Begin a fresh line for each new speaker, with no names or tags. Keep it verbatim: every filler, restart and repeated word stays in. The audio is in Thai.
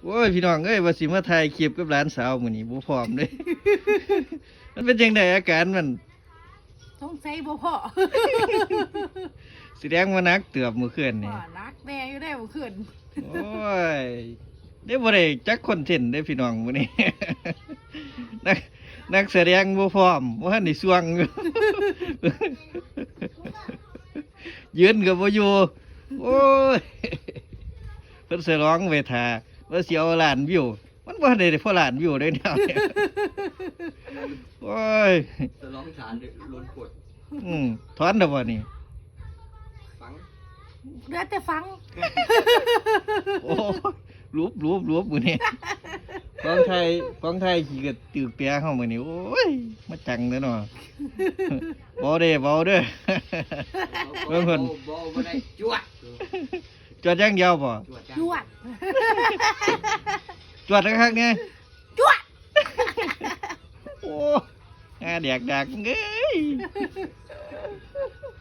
โอ้ยพี่น้องเอ้ยว่าสิมาถ่ายคลิปกับหลานสาวมื้อนี้บ่พร้อมเด้ มันเป็นจังไดอาการมัน
ต้องใส่บ่พอ
แสดงว่านักเตือบมื้อคืนนี่
ว่านักแน่อยู่ได้บ่ขึ้น
โอ้ยได้บ่ได้จักคอนเทนต์ได้พี่น้องมื้อนี้ นักนักแสดงบ่พร้อมบ่ทันได้สวงอยู่ ยืนก็บ่อยู่โอ้ยเพิ่นสิร้องไว้ท่าว่าสิเอาล้านวิวมันบ่ได้ได้พอล้านวิวได้แนวนี้ โอ้ย
จะร้องฐานล้นกด
อืมถอนแล้วบ่นี่
ฟัง
เดี๋ยวแต่ฟัง
โอ้รูปรูปรูปมื้อนี้ฟังไทยฟังไทยขี้ก็ตึกแปรเฮามื้อนี้โอ้ยมาจังเด้อเนาะ บ่ได้บ่เด้อ เบิ่งเพิ่น
บ่บ่ได้จวด
จวดอย่างเดียวบ่
จวด
จวด
จวดคักๆเนี่ย
จวด
โอ้งาแดกดักเอ้ย